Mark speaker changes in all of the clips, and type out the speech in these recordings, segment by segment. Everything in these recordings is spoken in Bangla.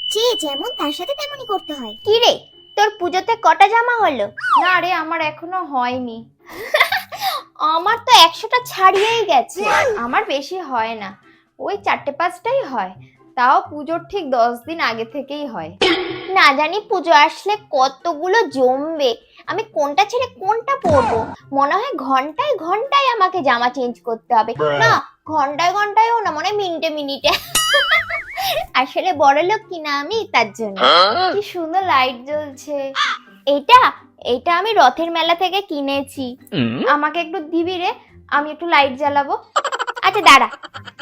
Speaker 1: যে যেমন তার সাথে তেমনই করতে হয়।
Speaker 2: কি রে, তোর পুজোতে কটা জামা হলো?
Speaker 3: না রে, আমার এখনো হয়নি।
Speaker 2: আমার তো 100টা ছাড়িয়েই গেছে।
Speaker 3: আমার বেশি হয় না, ওই 4-5টাই হয়, তাও পুজোর ঠিক 10 দিন আগে থেকেই হয়।
Speaker 2: না জানি পুজো আসলে কতগুলো জমবে, আমি কোনটা ছেড়ে কোনটা পরবো। মনে হয় ঘন্টায় ঘন্টায় আমাকে জামা চেঞ্জ করতে হবে। না, ঘন্টায় ঘন্টায়ও না, মনে হয় মিনিটে মিনিটে। আসলে বড়লোক কিনা আমি, তার জন্য।
Speaker 3: কি সুন্দর লাইট জ্বলছে।
Speaker 2: এইটা এইটা আমি রথের মেলা থেকে কিনেছি।
Speaker 3: আমাকে একটু দিবি রে, আমি একটু লাইট জ্বালাবো।
Speaker 2: আচ্ছা দাঁড়া।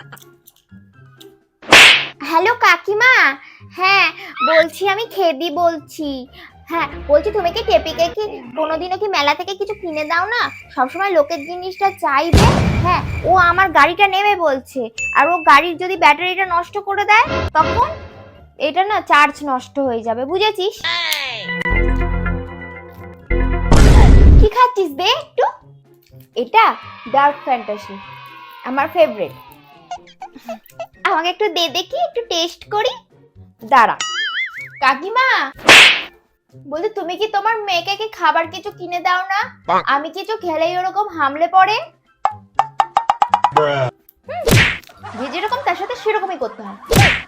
Speaker 2: হ্যালো কাকিমা, হ্যাঁ বলছি, আমি খেদি বলছি। হ্যাঁ বলছি, তুমি কি টেপিকে কি কোনোদিনও কি মেলা থেকে কিছু কিনে দাও না? সবসময় লোকের জিনিসটা চাইবে। হ্যাঁ, ও আমার গাড়িটা নেবে বলছে, আর ও গাড়ির যদি ব্যাটারিটা নষ্ট করে দেয় তখন?
Speaker 3: এটা না চার্জ নষ্ট হয়ে যাবে, বুঝেছিস?
Speaker 2: কি খাচ্ছিস দে একটু।
Speaker 3: এটা ডার্ক ফ্যান্টাসি, আমার ফেভারিট।
Speaker 2: আমাকে একটু দে দেখি, একটু টেস্ট করি।
Speaker 3: দাঁড়া। কাকিমা, বলছি তুমি কি তোমার মেয়েকে কি খাবার কিছু কিনে দাও না? আমি কিছু খেলেই ওরকম হামলে পড়ে। যে যেরকম তার সাথে সেরকমই করতে হয়।